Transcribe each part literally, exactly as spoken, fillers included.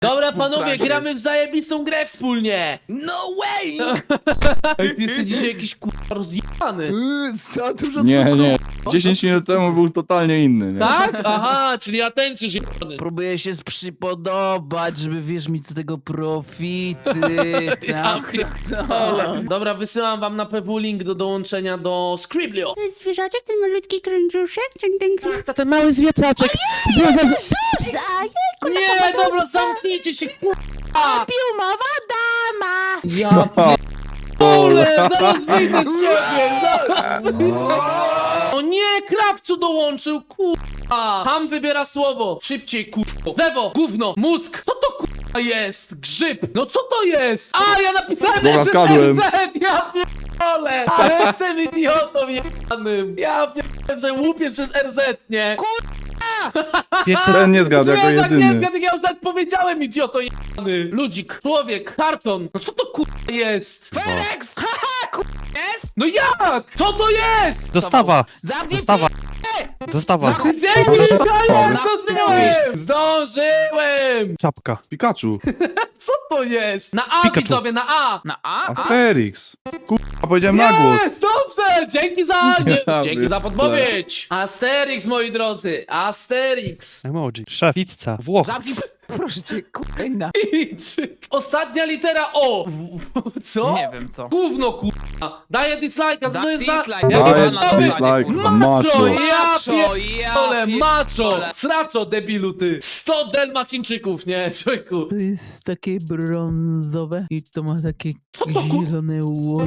Dobra, panowie, gramy w zajebistą grę wspólnie! No way! Ej, ty jesteś dzisiaj jakiś kurwa rozjebany. Yy, Za dużo Nie, cukru. nie. dziesięć minut temu był totalnie inny, nie? Tak? Aha, czyli atencjusz jebany. Próbuję się przypodobać, żeby wiesz mi z tego profity. Ja Tak, pierdolę. Dobra, wysyłam wam na P W link do dołączenia do Scriblio. To jest zwierzaczek, ten malutki krążuszek, ten ten Tak, to ten mały zwietraczek. Nie, dobra, zamknijcie się, kurwa! Piumowa dama! Ja pierdolę, zaraz wyjdę z siebie, zaraz wyjdę. O nie, krawcu dołączył, kurwa! Tam wybiera słowo, szybciej, kurwa. Lewo, gówno, mózg, co to kurwa jest? Grzyb, no co to jest? A, ja napisałem Dobra, przez zgadłem. R Z, ja pierdolę! Ale jestem idiotą jebanym. Ja pierdolę, że łupię przez R Z, nie? Ten nie zgadł jako Zwierzak, nie jedyny. zgadł, ja już nawet powiedziałem, idioto jebany. Ludzik, człowiek, karton, no co to kurwa jest? Fenex! Haha, kur... jest? No jak? Co to jest? Dostawa! Zamknij Dostawa! Dostawa! Dzięki, Daniel, Na- zdążyłem! Zdążyłem! Czapka. Pikachu. Co to jest? Na A, Pikachu. widzowie, na A! Na A? A? Asterix. Kurwa, powiedziałem na głos. Jest, dobrze! Dzięki za... Nie, Ja dzięki za pierdolę. podpowiedź! Asterix, moi drodzy, Asterix! Emoji. Szef. Pizza. Włoch. Zamknij... Proszę cię, kurwa. Chińczyk. Ostatnia litera O! Co? Nie wiem co. Gówno, kurwa! Daję dislike'a, Da to jest za... dislike, Ja Daję nie wiem, dislike. Macho, Macho. ja Macho, pierdolę, ja macho! pierdolę. Sraczo, debilu, ty! sto delmacińczyków, nie, człowieku! To jest takie brązowe i to ma takie Co to, kur- zielone łody.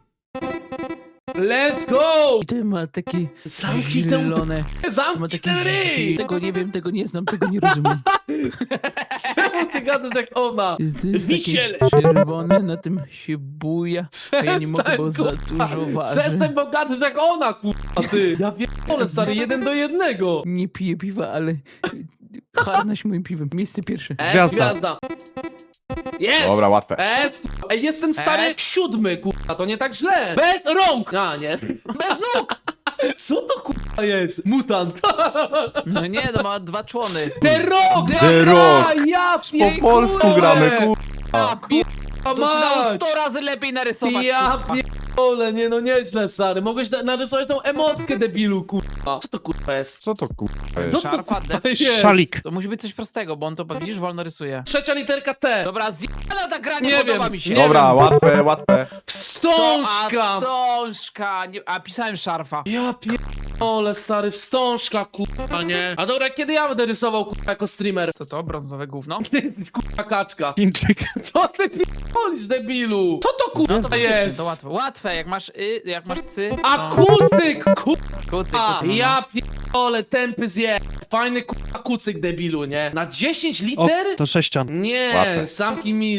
Let's go! I to ma takie Zamknij tę... zielone. To ma Zamknij takie ten ryj! Tego nie wiem, tego nie znam, tego nie rozumiem. Czemu ty gadasz jak ona? To jest Wisielec. takie czerwone, na tym się buja. A ja nie mogę, bo za Przestań, kurwa. dużo waży. Przestań, bo gadasz jak ona, kurwa, ty! Ja pierdolę, stary, jeden do jednego! Nie piję piwa, ale harnaś moim piwem. Miejsce pierwsze. S, Gwiazda. gwiazda. Jest! Dobra, łatwe. S, Ej, jestem stary S. siódmy, kurwa, to nie tak źle. Bez rąk! A, nie. Bez nóg! Co to kurwa jest? Mutant. No nie, to ma dwa człony. The Rock! The Rock. Ja Po pierdolę! polsku gramy, kurwa. A, pi... A To ci dało mać! sto razy lepiej narysować. Ja kurwa. pierdolę, nie no nieźle, stary. Mogłeś na- narysować tą emotkę, debilu, kurwa. Co to kurwa jest? Co to kurwa No jest? to Szarfa, kurwa desk. jest. Szalik. To musi być coś prostego, bo on to, widzisz, wolno rysuje. Trzecia literka T. Dobra, zjebana ta gra, nie, Nie podoba wiem, mi się. nie Dobra, wiem. łatwe, łatwe. Wstążka! A, wstążka. Nie, a pisałem szarfa. Ja pierdolę, stary, wstążka, kurwa, nie? A dobra, kiedy ja będę rysował, kurwa, jako streamer? Co to? Brązowe gówno? Ty jesteś, kurwa, kaczka. Chińczyk. Co ty pierdolisz, debilu? Co to, No kurwa, to faktycznie, jest? to łatwe. Łatwe, jak masz y, jak masz cy. A to- kucyk, kurwa, Kucyk, kucyk. ja pierdolę, tępy zje. Fajny, kurwa, kucyk, debilu, nie? Na dziesięć O, liter? to sześcian. Nie, Łatwe. zamknij mi...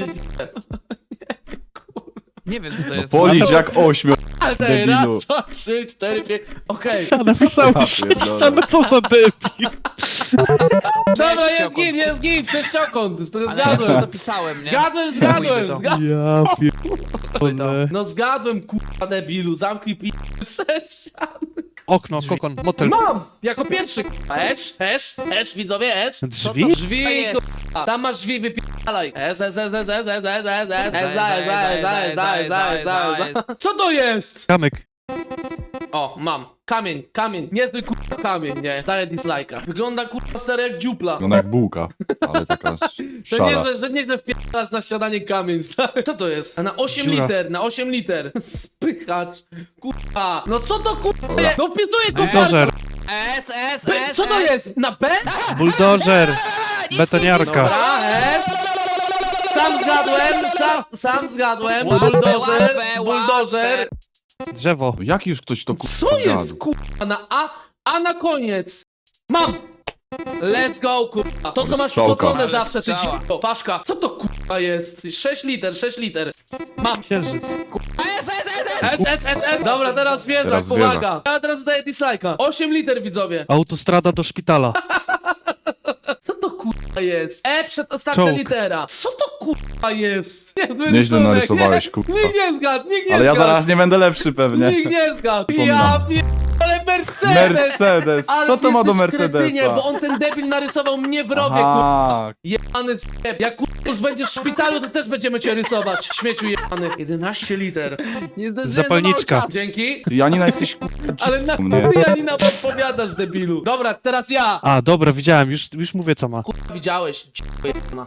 Nie wiem, co to jest. Policz jak ośmiu. Ale Debilu. raz, dwa, trzy, cztery, pięć... Okej. Napisałem Ja sześcian, pierdolę. no co za debil. Dobra, jest Sześciokąt. git, jest git, sześciokąt, to Ale ja zgadłem. to pisałem, nie? Zgadłem, zgadłem, to. zgadłem. Ja pierdolę. No zgadłem, kurwa, debilu, zamknij pi... sześcian. Okno, kokon, motel. Mam! Jako pierwszy, kurwa, esz, esz, esz, widzowie, esz. Drzwi? Drzwi, To jest. kurwa. Tam masz drzwi, wypierdalaj. Es, es, es, es, es, es, es, es, es, es, za, za, za, za, za, za, za. Co to jest? Kamyk. O, mam. Kamień, kamień, niezły kurwa kamień, nie? Daję dislike'a. Wygląda kurwa stary jak dziupla. No jak bułka, ale taka To szara. nieźle, że nieźle wpierdalasz na śniadanie kamień, stary. Co to jest? A na osiem Dziura. liter, na osiem liter. Spychacz. Kurwa. No co to kurwa Dobra. jest? No wpisuję kurwa. Buldożer. S, S, B- S, Co to S. jest? Na B? Buldożer. Nic, Betoniarka. Dobra, S. Sam zgadłem, sam, sam zgadłem. Łatwe, Buldożer, łatwe, buldożer. Drzewo. Jak już ktoś to kurwa Co jest zgadł? kurwa na A? A na koniec. Mam. Let's go, kurwa. To, co masz Strzałka. wsadzone Ale zawsze, ty strzała. dziwko. Paszka. Co to kurwa jest? sześć liter, sześć liter. Mam. Księżyc. S, S, S, S. Ec, ec, ec, ec. Dobra, teraz zwierzak, Teraz pomaga. Ja teraz daję dislike'a. osiem liter, widzowie. Autostrada do szpitala. Co to kurwa jest? E, przedostatnia Czołg. litera. Co to kurwa jest? Niezły Nieźle rysunek, narysowałeś, nie? kurwa. Nikt nie zgadł, nikt nie Ale ja zgadł. zaraz nie będę lepszy pewnie. Nikt nie zgadł. Przypominam. Ja pierdolę. Ale Mercedes! Mercedes! Ale Co to ma do jesteś kretynie, Mercedesa? bo on ten debil narysował mnie w rowie, kurwa. Aha, Jebany zjeb. Jak kurwa już będziesz w szpitalu, to też będziemy cię rysować. Śmieciu jebany. jedenaście liter. Nie zdążyłem Zapalniczka. za mało czasu. Dzięki. ty Janina jesteś kurwa Ale na mnie. ty Janina odpowiadasz, debilu. Dobra, teraz ja. A, dobra, widziałem, już, już mówię co ma. Kurwa, widziałeś. Dziękuję, jebana.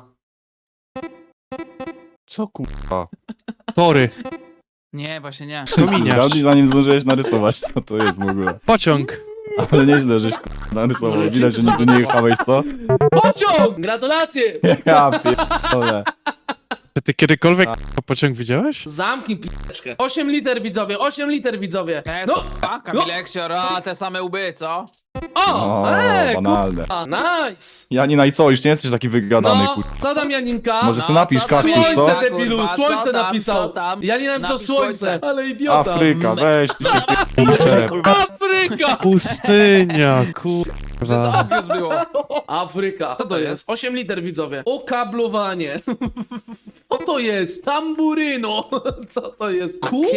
Co kurwa? Tory, Nie, właśnie nie. kominiarz, Zgadnij, zanim zdążyłeś narysować, co to jest w ogóle. pociąg. Ale nieźle, żeś kurwa narysował. Może Widać, ci że nigdy nie jechałeś, co? Pociąg! Gratulacje! Ja pierdolę. Czy ty kiedykolwiek k***a, pociąg widziałeś? Zamknij p***czkę. osiem liter, widzowie, osiem liter, widzowie. No, No, a, Kamil Eksior, a te same łby, co? o, O, ej, banalne. kurwa, nice. Janina i co? Już nie jesteś taki wygadany, No, kurwa. co tam Janinka? Może No, sobie napisz co tam? kaktus, co? Słońce, Kurwa, debilu, co słońce tam, napisał. co tam? Janina napisał Napisz słońce, słońce. ale idiota. Afryka, weź, ty się pierdolę. Afryka! Pustynia, To kurwa. obvious było. Afryka. Co to to jest? jest? osiem liter, widzowie. Okablowanie. Co to jest? Tamburyno. Co to jest? Ku?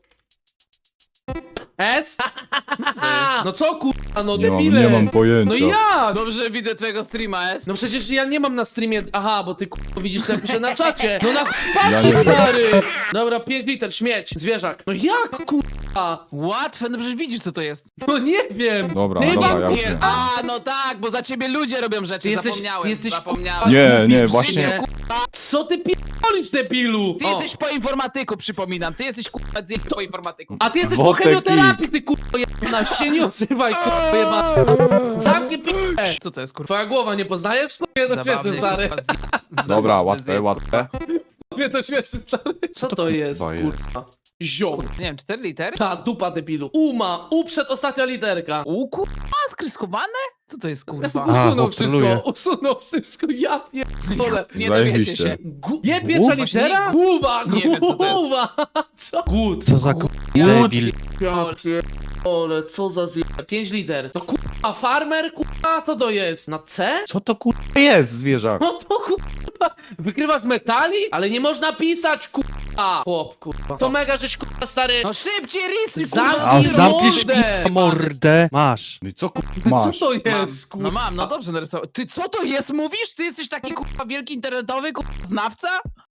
S? No co kurwa, no Nie mam, debile. nie mam pojęcia. No jak? Dobrze widzę twojego streama, jest. No przecież ja nie mam na streamie. Aha, bo ty kurwa widzisz co ja piszę na czacie. No na Ja patrzę, nie- stary. Dobra, pięć liter, śmieć, zwierzak. No jak kurwa? Łatwe, no przecież widzisz co to jest. No nie wiem. Dobra, Ty dobra, mam ja pier- wiem. A, no tak, bo za ciebie ludzie robią rzeczy, Ty jesteś- zapomniałem, ty jesteś, zapomniałem. Nie, nie, w właśnie. życie. Co ty pierdolisz, debilu? Ty O. jesteś po informatyku, przypominam, ty jesteś kurwa z po informatyku. A ty jesteś Wodek po chemioterapii, ty kurwa jebana, się nie odzywaj, kurwa jebana. Zamknij p***ę. Co to jest kurwa? Twoja głowa nie poznajesz? Nie to śmieszny, stary. kurwa, zje- Dobra, zabawny łatwe, zjeb. łatwe. Nie to śmieszny, stary. Co to jest, kurwa jest? kurwa? Ziom. Nie wiem, cztery litery? Ta dupa debilu. Uma, U przed ostatnia literka. U kurwa, skryskowane? Co to jest kurwa? A, Usunął bo wszystko, troluje. usunął wszystko, ja pierdolę. Nie dowiecie Zajebiście. się. Gu- Nie pierwsza Właśnie litera? nie- Głowa, nie wiem, co to jest. głowa. Co? Good. Co za kurwa debil. Ja pierdolę, co za zje... pięć liter. To kurwa, farmer, kurwa, co to jest? Na C? Co to kurwa jest, zwierzak? No to kurwa, wykrywasz metali? Ale nie można pisać, kurwa. Chłop, kurwa. Co mega, żeś kurwa, stary... No szybciej rysuj, Zamknij kurwa! A zamkniesz mordę. kurwa mordę. Masz. No i co kurwa Co masz? to Mam. jest, kurwa? No mam, no dobrze narysował. Ty co to jest, mówisz? Ty jesteś taki kurwa wielki internetowy kurwa znawca?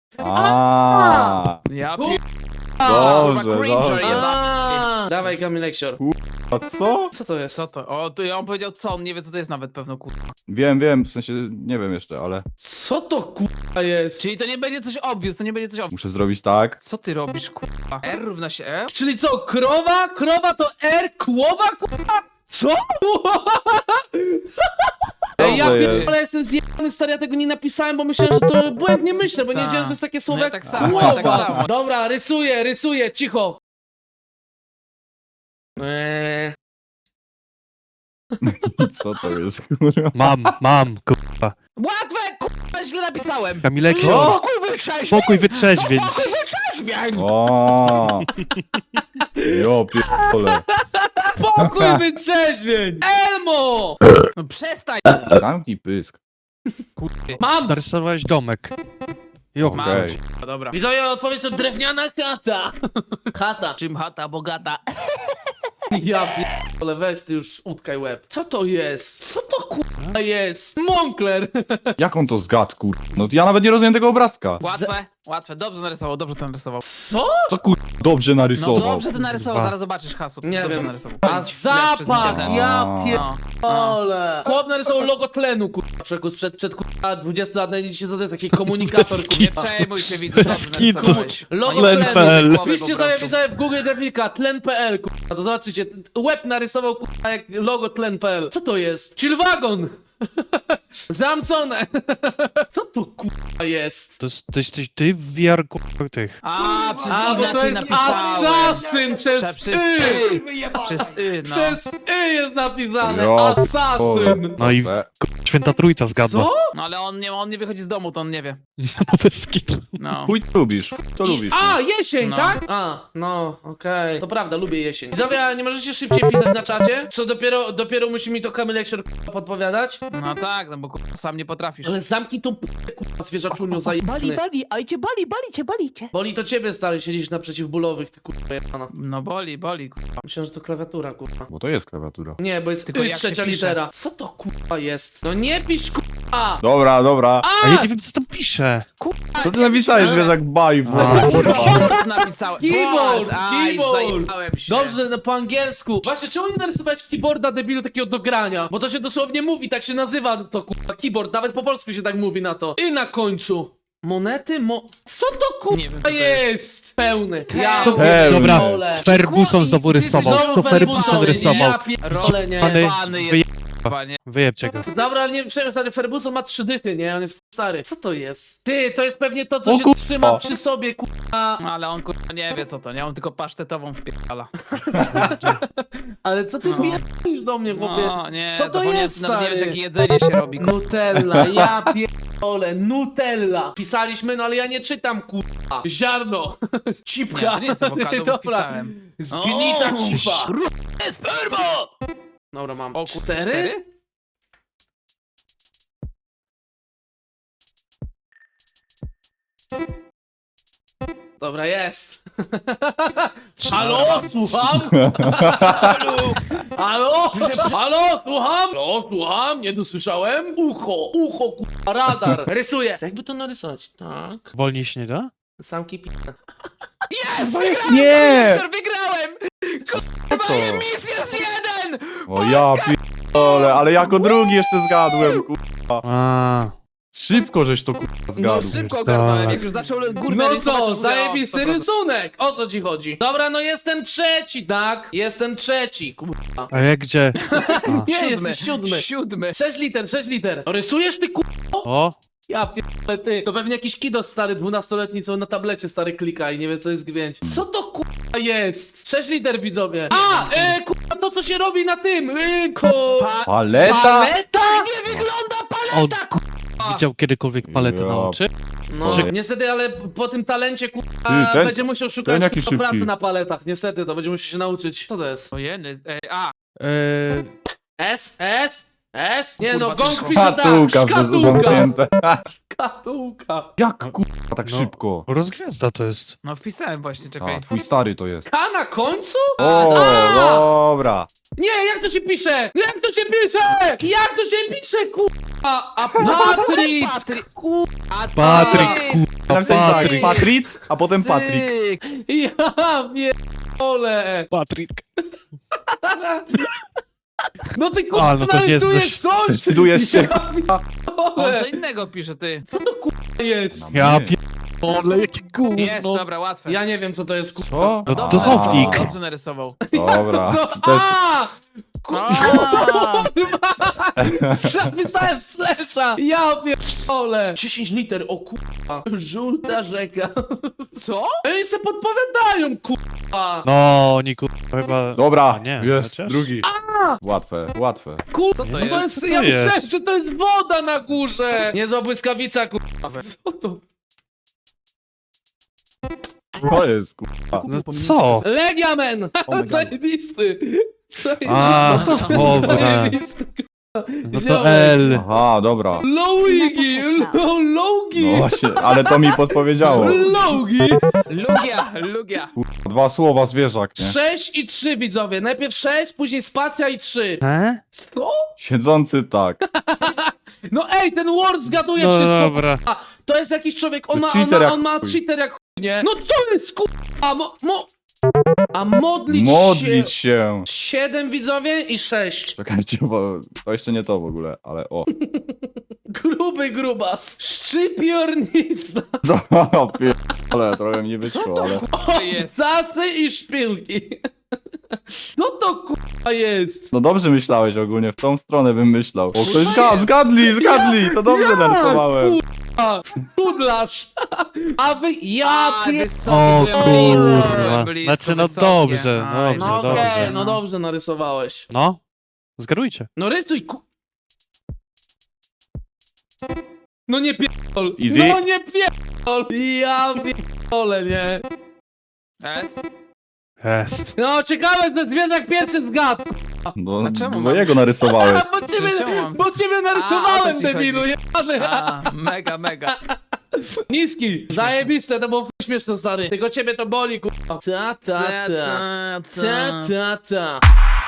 A, Ja Kurwa. Dobrze, kurwa cringer dobrze. jebany. A, Dawaj, Kamil Eksior. a co? Co to jest? Co to? O, to ja on powiedział co, on nie wie co to jest nawet pewno kurwa. Wiem, wiem, w sensie nie wiem jeszcze, ale Co to kurwa jest? Czyli to nie będzie coś obvious, to nie będzie coś obvious. muszę zrobić tak. Co ty robisz kurwa? R równa się E? Czyli co, krowa? Krowa to R? Kłowa, kurwa? Co? Ej, ja Dobrze pierdolę, jest. ale jestem zjebany, stary, ja tego nie napisałem, bo myślałem, że to błędnie myślę, bo nie Tak. wiedziałem, że jest takie słowo No ja jak tak samo, kłowa. ja tak samo. Dobra, rysuję, rysuję, cicho. Eee, Co to jest, kurwa? Mam, mam, kurwa. Łatwe kurwa, źle napisałem! Kamilek, Spokój wytrzeźwień! spokój wytrzeźwień. Spokój wytrzeźwień! O, jo, pierdolę. pokój wytrzeźwień! Elmo! No przestań! Zamknij pysk. Kurwa. Mam! Narysowałeś domek. Jo, Mam. Okej. Dobra. Widzowie, odpowiedź to drewniana chata. Chata. Czym chata bogata? Ja pierdolę, weź ty już utkaj łeb. Co to jest? Co to kurwa jest? Moncler! Jak on to zgadł, kurwa? No ja nawet nie rozumiem tego obrazka. Łatwe, łatwe. Dobrze narysował, dobrze to narysował. Co? Co kurwa dobrze No narysował? dobrze to narysował, Dwa. zaraz zobaczysz hasło. Nie dobrze wiem. narysował. A Pięć. zapach! Przez internet. Ja A. pierdolę! Chłop narysował logo tlenu, kurwa, przekus przed, przed kurwa dwudziestu lat, najdzie to jest taki komunikator, Bez Nie kurwa. przejmuj się, widzę, Bez dobrze kitu. narysowałeś. Logo Tlen tlenu. kropka p l. Wpiszcie sobie, widzowie, w Google grafika, tlen kropka p l, kurwa, to zobaczycie. Łeb narysował, kurwa, jak logo tlen kropka p l. Co to jest? Chillwagon! Zamsone! Co to kurwa jest? To jest, to jesteś ty w V R kurwa tych. A, przez A, bo to inaczej jest napisałem. asasyn przez Prze- przez y! y. Przez y, no. Przez y jest napisane, Jo, asasyn! No i Proste. Święta Trójca zgadła. Co? No ale on nie, on nie wychodzi z domu, to on nie wie. No bez kitu. No. Chuj to lubisz, to I, lubisz. a, jesień, No. tak? A, no, okej. To prawda, lubię jesień. Widzowie, a nie możecie szybciej pisać na czacie? Co dopiero, dopiero musi mi to Kamilek się podpowiadać? No tak, no bo kurwa, sam nie potrafisz. Ale zamknij tą p***ę, kurwa, zwierzaczuniu Bali, zajebany. bali, ajcie, bali, balicie, balicie. Boli to ciebie, stary, siedzisz na przeciwbólowych, ty kurwa jebana. No boli, boli, kurwa. Myślałem, że to klawiatura, kurwa. Bo to jest klawiatura. Nie, bo jest Tylko y, jak trzecia się pisze? litera. Co to kurwa jest? No nie pisz kurwa! Dobra, dobra. A ja nie wiem, co tam pisze. Co ty napisałeś, że jak baj w A. Keyboard napisałem. Keyboard, Board, aj, keyboard. zajebałem się. Dobrze, no po angielsku. Właśnie, czemu nie narysowałeś keyboarda debilu takiego do grania? Bo to się dosłownie mówi, tak się nazywa to kurwa keyboard, nawet po polsku się tak mówi na to. I na końcu. Monety, mo... Co to Nie wiem, kurwa co to jest? Pełny. Ja To- Pełny. Dobra, pierdolę. Ferguson znowu rysował. Znowu To Ferguson rysował. Ja pierdolę, nie. Pany- Pany Wyje... jest, panie. Wyjebcie go. Dobra, ale nie przejmuj, stary, Ferguson ma trzy dychy, nie? On jest stary. Co to jest? Ty, to jest pewnie to, co O się kurwa. trzyma przy sobie, kurwa. No, ale on kurwa nie wie co to, nie? On tylko pasztetową wpierdala. Ale co ty No. pierdolisz do mnie, chłopie? No, nie, Co to zapomniałem, jest, nawet nie wiesz, stary? jakie jedzenie się robi. kurwa. Nutella, ja pierdolę, Nutella. Pisaliśmy, no ale ja nie czytam, kurwa. Ziarno. Cipka. Nie, to nie jest awokado, bo Dobra. pisałem. Zgnita O, cipa. Spermo! Dobra, mam O, kurwa, cztery? cztery? Dobra, jest. Halo, słucham? Halo? Halo, słucham? Halo, słucham? Nie dosłyszałem? Ucho, ucho, kurwa, radar. Rysuję. Jakby to narysować? Tak. Wolniej się nie da? Samki pi... Nie! Wiktor, wygrałem! Co to? Misja z jeden! O ja pierdolę, ale jako drugi jeszcze zgadłem, kurwa. A, Szybko żeś to kurwa No zgadł. szybko ogarnąłem, Tak. jak już zaczął górne No rysować, co, to mówię, zajebisty o, sto procent. rysunek! O co ci chodzi? Dobra, no jestem trzeci, tak? Jestem trzeci, kurwa. a jak gdzie? Nie, Siódmy, jesteś siódmy. Siódmy. Sześć liter, sześć liter. Rysujesz ty, kurwa? O, Ja pierdolę, ty. To pewnie jakiś kidos stary, dwunastoletni, co na tablecie stary klika i nie wie co jest gwieźdź. Co to kurwa jest? Sześć liter, widzowie. A, e, kurwa, to co się robi na tym, e, ko... Paleta? Paleta? Nie wygląda on paleta! ku... widział kiedykolwiek paletę Ja. na oczy? No, Czy- niestety, ale po tym talencie, kurwa, Ty, ten- będzie musiał ten szukać jaki kurwa, pracy szybki. na paletach. Niestety, to będzie musiał się nauczyć. Co to jest? Ojeny, ej, a, Eee, S? S? S? Nie Kurwa, no, to gong szko- pisze tak, Szkatułka przez szkatułka, zamknięte. szkatułka. Jak kurwa tak No. szybko? rozgwiazda to jest. no wpisałem właśnie, czekaj. A, twój stary to jest. K na końcu? O, A! dobra. Nie, jak to się pisze? Jak to się pisze? Jak to się pisze, kurwa? A Patryc, Patryk. kurwa. Patryk, kurwa, Napisałeś tak, Patryk. Patric, a potem Patryk. Cyk. Ja pierdolę. Patryk. No ty A, kurwa no to nie narysujesz znasz. coś? Decydujesz się, Ja On pierdolę. co innego pisze, ty. Co to kurwa jest? Ja Nie. pierdolę, jakie Jest, gówno. dobra, łatwe. Ja nie wiem co to jest kurwa. Co? No to A, to Softik. Dobrze narysował. Dobra. Co? To jest... A! A, Zapisałem slasha! Ja pierdolę! dziesięć liter, o kurwa! Żółta rzeka. Co? Ej, se podpowiadają, kurwa! No, oni kurwa chyba... Dobra, A nie, jest, chociaż? drugi. Łatwe, łatwe. Kurwa, Co to no jest? to jest, Co to ja jest? myślałem, że to jest woda na górze! Niezła błyskawica, kurwa. Co to? To jest kurwa. No co? Legiamen! God. Zajebisty! A, Zajebisty. dobra. Zajebisty, kurwa. No Ziomek. to L. Aha, dobra. Lowigi! Lo- Logi! No właśnie, ale to mi podpowiedziało. Logi! Lugia, lugia. Kurwa, dwa słowa zwierzak, nie? sześć i trzy, widzowie. Najpierw sześć, później spacja i trzy. E? Co? Siedzący tak. No ej, ten War zgaduje No wszystko. dobra. A, to jest jakiś człowiek, on To ma, jest on cheater ma, jak on ma chuj. cheater jak chuj, nie? No to jest kurwa, mo, mo... A modlić, Modlić się... się. Siedem, widzowie, i sześć. Czekajcie, bo to jeszcze nie to w ogóle, ale o. Gruby grubas. Szczypiornizna. No, pierdolę, trochę mi nie wyszło, ale... To jest. Zasy i szpilki. No to kurwa jest. No dobrze myślałeś ogólnie, w tą stronę bym myślał. O, ktoś zga zgadli, zgadli, to dobrze narysowałem. Kurwa, kudlarz. A wy, ja A, pier... wysoko, O byłem blisko, kurwa. byłem blisko, Znaczy no wysokie. dobrze, Aj, dobrze, No dobrze. okej, no dobrze narysowałeś. No, zgadujcie. No rysuj ku... No nie pierdol. Easy. No nie pierdol. Ja pierdolę, nie. S? Jest. No ciekawe, że zwierzak pierwszy zgadł. No, A czemu bo mam- jego narysowałeś. Bo ciebie, czemu mam- bo ciebie A, o narysowałem, to ci debilu. chodzi. jebany. A, mega, mega. Niski. Zajebiste, to było śmieszne, stary. Tylko ciebie to boli, kurwa. Ta, ta, ta. Ta, ta, ta.